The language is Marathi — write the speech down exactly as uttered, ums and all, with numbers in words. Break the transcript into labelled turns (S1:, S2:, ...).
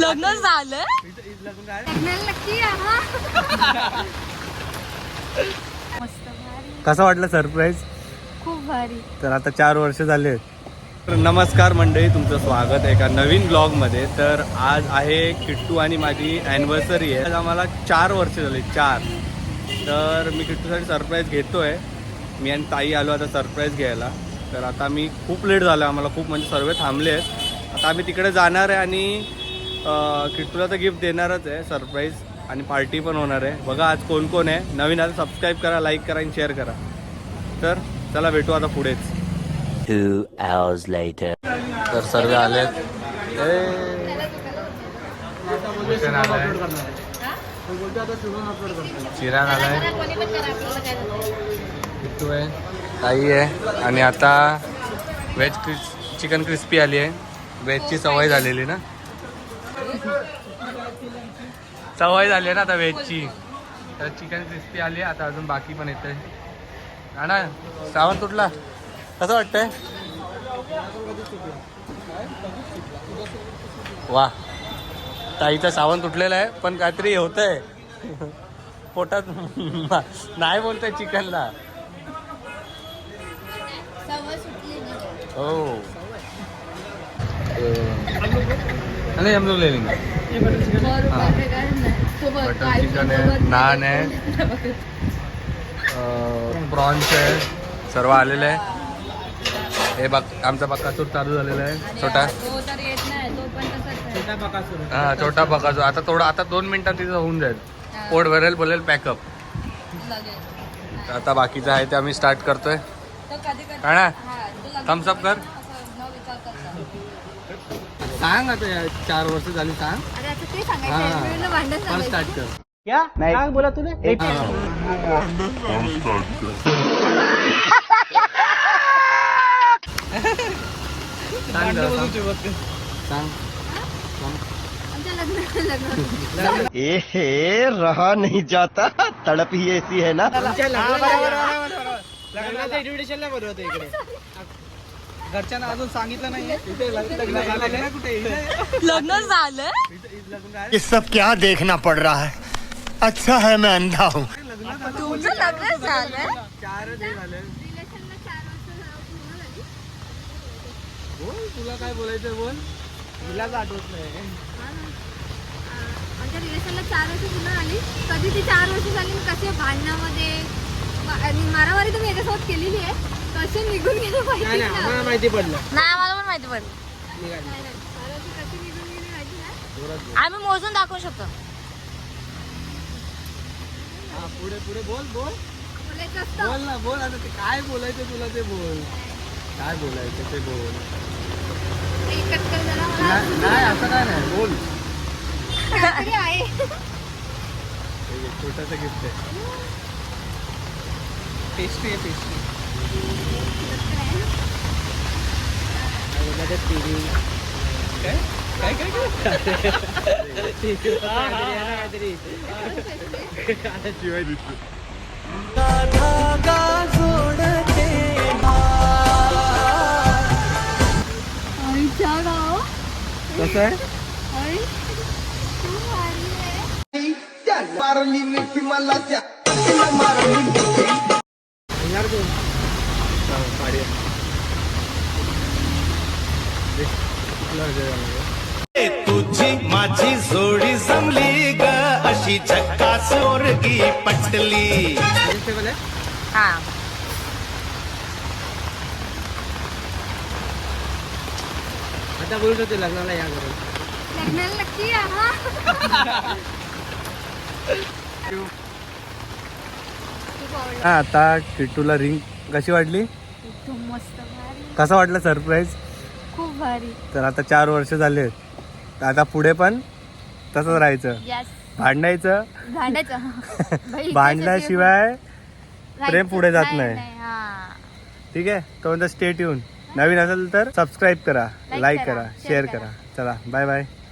S1: लग्न झालं
S2: कसं वाटलं सरप्राईज?
S1: खूप भारी.
S2: तर आता चार वर्ष झाले. तर नमस्कार मंडळी, तुमचं स्वागत आहे एका नवीन ब्लॉगमध्ये. तर आज आहे किट्टू आणि माझी ॲनिव्हर्सरी आहे. आज आम्हाला चार वर्ष झाले, चार. तर मी किट्टूसाठी सरप्राईज घेतो आहे. मी आणि ताई आलो आता सरप्राईज घ्यायला. तर आता मी खूप लेट झालो, आम्हाला खूप म्हणजे सर्व थांबले आहेत. आता आम्ही तिकडे जाणार आहे आणि किट्टूला तर गिफ्ट देणारच आहे सरप्राईज, आणि पार्टी पण होणार आहे. बघा आज कोण कोण आहे. नवीन आता सबस्क्राईब करा, लाईक करा आणि शेअर करा. तर चला भेटू आता पुढेच.
S3: Two hours later.
S2: तर सर्व आलेत. चिराग आलाय, किट्टू आहे, ताई आहे, आणि आता व्हेज क्रिस चिकन क्रिस्पी आली आहे. व्हेजची सवय झालेली ना, सवय झाली आहे ना आता व्हेजची. तर चिकन क्रिस्पी आली आहे. आता अजून बाकी पण येते ना. सावंत तुटला, कसं वाटतंय? वा, ताईचा सावंत तुटलेला आहे, पण काहीतरी होतंय पोटात. नाही बोलतंय चिकनला. हो, नहीं हम लोग ले लेंगे. बटर चिकन आहे, नान आहे, प्रॉन्स आहे, सर्व आलेलं आहे. हे बघ, आमचा बकासूर चालू झालेला आहे. छोटा हा छोटा बकासूर. आता थोडं, आता दोन मिनिटात तिथं होऊन जाईल. पोट भरेल, बोलेल पॅकअप. आता बाकीचं आहे ते आम्ही स्टार्ट करतोय. काय थम्सअप कर. सांग आता, या चार वर्ष झाली, सांग. स्टार्ट कर. क्या नाही बोला तुला.
S4: ए रहा नहीं जाता, तड़प ही ऐसी है ना.
S5: इन्व्हिटेशनला बोलवतो इकडे. घरच्यांना अजून सांगितलं नाही
S1: लग्न झालं.
S4: ये सब क्या देखना पड़ रहा है. अच्छा है मैं अंधा हूँ.
S1: तुमचं लग्न झालं.
S2: बोल, तुला काय बोलायचं बोल.
S5: तिलाच आठवत नाही.
S6: आमच्या रिलेशनला चार वर्ष पूर्ण आली. कधी ती चार वर्ष झाली, कसे भांडणामध्ये आणि मारामारी तुम्ही याच्यासोबत केलेली आहे. कसे निघून गेले
S5: नाही नाही, आम्हाला माहिती पडलं.
S1: नाही, आम्हाला पण माहिती पडलं.
S6: कशी निघून गेली माहिती नाही.
S1: आम्ही मोजून दाखवू शकतो.
S5: हा, पुढे पुढे बोल बोल
S6: बोलायचं असतं.
S5: बोल ना, बोल. आता ते काय बोलायचं तुला ते बोल.
S2: काय बोलायचं ते बोल.
S6: ते कट कर जरा मला.
S2: नाही नाही, असं काय नाही, बोल.
S6: काहीतरी आहे.
S2: छोटासा गिफ्ट आहे.
S5: पेस्ट्री आहे, पेस्ट्री. काय काय काय
S6: आईच्या गाव.
S2: कसं आहे?
S6: आई तू भारी आहे.
S4: मारली मिठी मला त्या
S5: येणार तू.
S7: तुझी माझी जोडी जमली ग, अशी झक्कास पोरगी पटली.
S1: हा,
S5: आता बोलत होते लग्नाला या घरी.
S6: लग्नाला नक्की या हा.
S2: हा, आता किट्टूला रिंग कशी वाटली?
S6: एकदम मस्त भारी.
S2: कसं वाटलं सरप्राईज?
S6: खूप भारी.
S2: तर आता चार वर्ष झाले, तर आता पुढे पण तसंच राहायचं.
S6: यस.
S2: भांडायचं,
S6: भांडायचं.
S2: भांडल्याशिवाय प्रेम पुढे जात नाही.
S6: हा.
S2: ठीक आहे. तो स्टे ट्यून. नवीन असेल तर सबस्क्राईब करा,
S6: Like
S2: लाईक
S6: करा,
S2: करा,
S6: share
S2: शेअर
S6: करा.
S2: करा. चला, बाय बाय.